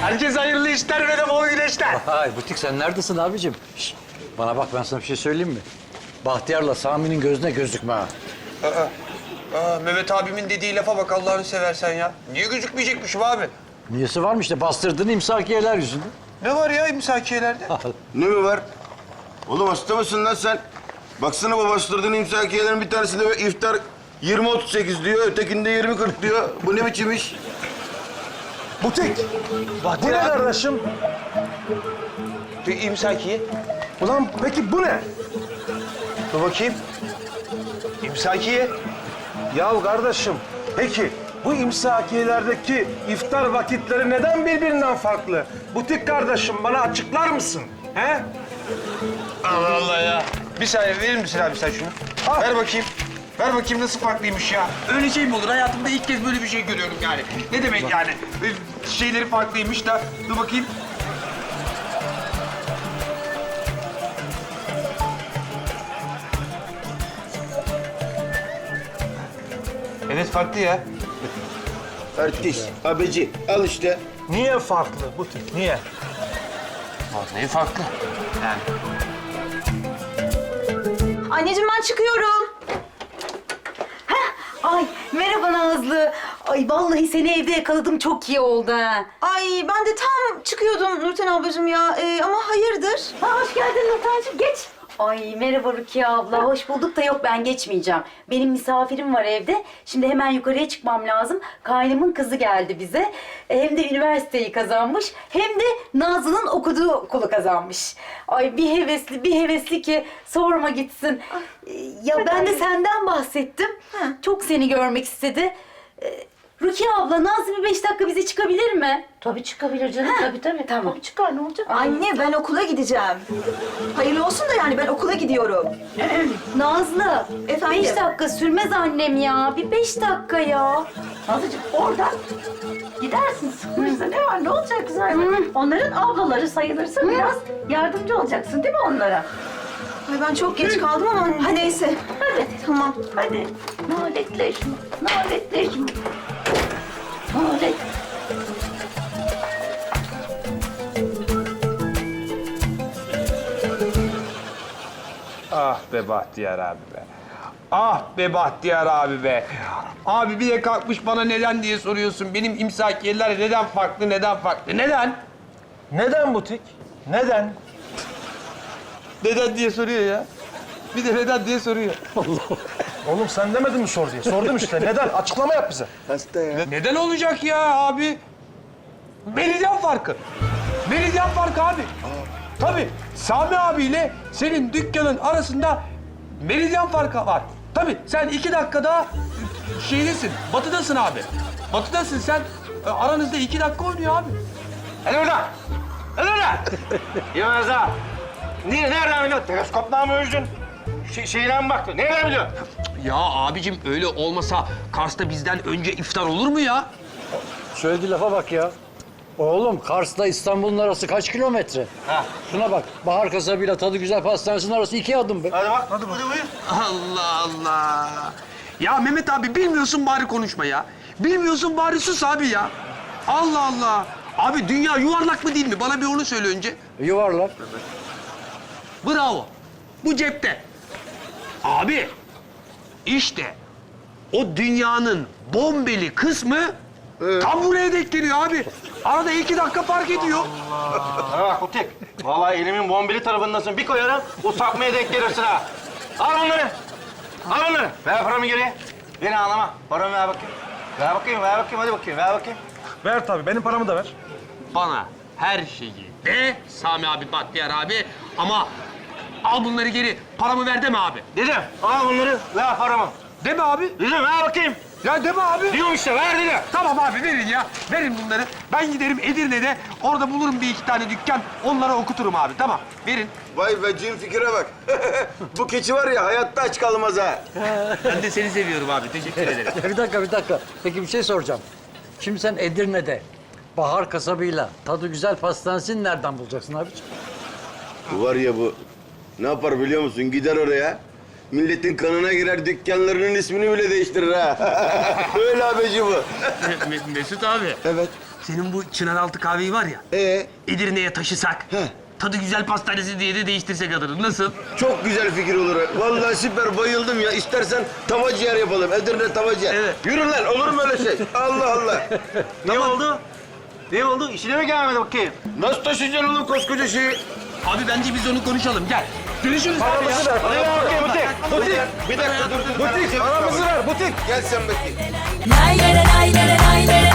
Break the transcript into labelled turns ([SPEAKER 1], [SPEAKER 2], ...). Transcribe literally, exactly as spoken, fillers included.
[SPEAKER 1] Herkes hayırlı işler ve de bol güneşler.
[SPEAKER 2] Hay butik sen neredesin abicim? Şişt, bana bak ben sana bir şey söyleyeyim mi? Bahtiyar'la Sami'nin gözüne gözükme ha.
[SPEAKER 1] Aa, aa, Mehmet abimin dediği lafa bak Allah'ını seversen ya. Niye gözükmeyecekmişim abi?
[SPEAKER 2] Niyesi varmış işte bastırdığın imsakiyeler yüzünden.
[SPEAKER 1] Ne var ya imsakiyelerde?
[SPEAKER 3] Ne mi var? Oğlum hasta mısın lan sen? Baksana bu bastırdığın imsakiyelerin bir tanesinde iftar yirmi otuz sekiz diyor, ötekinde yirmi kırk diyor. Bu ne biçim iş?
[SPEAKER 4] Butik. Bu ne kardeşim?
[SPEAKER 1] Bir imsakiye.
[SPEAKER 4] Ulan peki bu ne?
[SPEAKER 1] Dur bakayım. İmsakiye.
[SPEAKER 4] Ya kardeşim, peki bu imsakiyelerdeki iftar vakitleri neden birbirinden farklı? Butik kardeşim bana açıklar mısın? He?
[SPEAKER 1] Allah Allah ya. Bir saniye verir misin abi sen şunu?
[SPEAKER 4] Al.
[SPEAKER 1] Ver bakayım. Ver bakayım nasıl farklıymış ya. Öyle şey mi olur? Hayatımda ilk kez böyle bir şey görüyorum yani. Ne demek yani? Ee, Şeyleri farklıymış da. Dur bakayım. Evet farklı ya.
[SPEAKER 3] Artist, abeci. Al işte.
[SPEAKER 4] Niye farklı butik, niye?
[SPEAKER 1] Vallahi farklı. Yani.
[SPEAKER 5] Anneciğim ben çıkıyorum.
[SPEAKER 6] Heh, ay merhaba Nazlı. Ay vallahi seni evde yakaladım çok iyi oldu ha.
[SPEAKER 5] Ay ben de tam çıkıyordum Nurten ablacığım ya. Ee, ama hayırdır?
[SPEAKER 6] Ha, hoş geldin Nurten'cim geç. Ay merhaba Rukiye abla, hoş bulduk da yok ben geçmeyeceğim. Benim misafirim var evde. Şimdi hemen yukarıya çıkmam lazım. Kaynımın kızı geldi bize. Hem de üniversiteyi kazanmış hem de Nazlı'nın okuduğu okulu kazanmış. Ay bir hevesli bir hevesli ki sorma gitsin. Ee, Ya ben de senden bahsettim. Çok seni görmek istedi. Ee, Rukiye abla, Nazlı bir beş dakika bize çıkabilir mi?
[SPEAKER 7] Tabii çıkabilir canım. Tabii tabii.
[SPEAKER 6] Tamam.
[SPEAKER 7] Tabii çıkar ne olacak?
[SPEAKER 5] Anne ben okula gideceğim. Hayırlı olsun da yani ben okula gidiyorum.
[SPEAKER 6] Nazlı,
[SPEAKER 5] Efendim?
[SPEAKER 6] beş dakika sürmez annem ya. Bir beş dakika ya.
[SPEAKER 7] Nazlıcığım oradan gidersin. Sıkılırsa ne var? Ne olacak güzel? Onların ablaları sayılırsın. Biraz yardımcı olacaksın değil mi onlara?
[SPEAKER 5] Ay ben çok geç kaldım ama hadi neyse.
[SPEAKER 7] Hadi.
[SPEAKER 5] Tamam.
[SPEAKER 7] Hadi. Naletleşme. Naletleşme. Nalet.
[SPEAKER 1] Ah be Bahtiyar abi be. Ah be Bahtiyar abi be. Abi bir de kalkmış bana neden diye soruyorsun. Benim imsakiyeler neden farklı, neden farklı? Neden?
[SPEAKER 4] Neden butik? Neden?
[SPEAKER 1] Neden diye soruyor ya. Bir de neden diye soruyor.
[SPEAKER 4] Oğlum sen demedin mi sor diye? Sordum işte. Neden? Açıklama yap bize.
[SPEAKER 3] Hasta ya.
[SPEAKER 1] Neden olacak ya abi? Meridyen farkı. Meridyen farkı abi. Tabii Sami abiyle senin dükkanın arasında meridyen farkı var. Tabii sen iki dakikada şeydesin, batıdasın abi. Batıdasın sen. E, Aranızda iki dakika oynuyor abi.
[SPEAKER 8] Hadi oradan. Hadi oradan. Yemez ha. Niye, nereden biliyorsun? Teleskopla mı ölçtün? Şey, şeyine mi baktın? Nereden biliyorsun?
[SPEAKER 1] Ya abicim öyle olmasa Kars'ta bizden önce iftar olur mu ya?
[SPEAKER 2] Söylediği lafa bak ya. Oğlum Kars'la İstanbul'un arası kaç kilometre?
[SPEAKER 8] Ha.
[SPEAKER 2] Şuna bak. Bahar kasabıyla tadı güzel pastanesinin arası iki adım be.
[SPEAKER 8] Hadi bak. Hadi buyur.
[SPEAKER 1] Allah Allah. Ya Mehmet abi bilmiyorsun bari konuşma ya. Bilmiyorsun bari sus abi ya. Allah Allah. Abi dünya yuvarlak mı değil mi? Bana bir onu söyle önce.
[SPEAKER 2] Yuvarlak.
[SPEAKER 1] Bravo. Bu cepte. Abi işte o dünyanın bombeli kısmı tam buraya denk geliyor abi. Arada iki dakika fark ediyor.
[SPEAKER 8] Bana bak Kutik. Vallahi elimin bombeli tarafındasın. Bir koyarım, o sapmaya denk gelirsin ha. Al onları. Al onları. Ver paramı geri. Beni ağlama. Paramı ver bakayım. Ver bakayım, ver bakayım. Hadi bakayım, ver bakayım.
[SPEAKER 4] Ver tabii. Benim paramı da ver.
[SPEAKER 1] Bana her şeyi de Sami abi, Bahtiyar abi ama al bunları geri. Paramı ver deme abi.
[SPEAKER 8] Dedim, al bunları, ver paramı.
[SPEAKER 1] Deme abi.
[SPEAKER 8] Dedim, ver bakayım.
[SPEAKER 1] Ya deme abi.
[SPEAKER 8] Diyorum işte, ver dedim.
[SPEAKER 1] Tamam abi verin ya. Verin bunları. Ben giderim Edirne'de. Orada bulurum bir iki tane dükkan. Onlara okuturum abi. Tamam. Verin.
[SPEAKER 3] Vay be cin fikire bak. Bu keçi var ya hayatta aç kalmaz ha.
[SPEAKER 1] Ben de seni seviyorum abi. Teşekkür ederim.
[SPEAKER 2] Ya bir dakika bir dakika. Peki bir şey soracağım. Şimdi sen Edirne'de Bahar kasabıyla tadı güzel pastanesini nereden bulacaksın abiciğim?
[SPEAKER 3] Bu var ya bu. Ne yapar biliyor musun? Gider oraya. Milletin kanına girer, dükkanlarının ismini bile değiştirir ha. Öyle abeci bu.
[SPEAKER 1] Me- Mesut abi.
[SPEAKER 3] Evet.
[SPEAKER 1] senin bu Çınaraltı kahveyi var ya,
[SPEAKER 3] Ee,
[SPEAKER 1] Edirne'ye taşısak,
[SPEAKER 3] Heh.
[SPEAKER 1] Tadı Güzel Pastanesi diye de değiştirsek adını. Nasıl?
[SPEAKER 3] çok güzel fikir olur. Vallahi süper, bayıldım ya. İstersen tava ciğer yapalım. Edirne tava ciğer.
[SPEAKER 1] Evet.
[SPEAKER 3] Yürü lan, olur mu öyle şey? Allah Allah.
[SPEAKER 8] Ne oldu? Ne oldu? İşine mi gelmedi bakayım?
[SPEAKER 3] Nasıl taşıyacaksın oğlum koskoca şeyi?
[SPEAKER 1] Abi bence biz onu konuşalım. Gel. Görüşürüz abi ya.
[SPEAKER 4] Paramızı ver.
[SPEAKER 8] Hadi gel bakayım butik.
[SPEAKER 3] Butik. Bir dakika dur dur.
[SPEAKER 4] Butik, paramızı ver, butik.
[SPEAKER 3] Gel sen bakayım.
[SPEAKER 9] Lay lay lay lay lay lay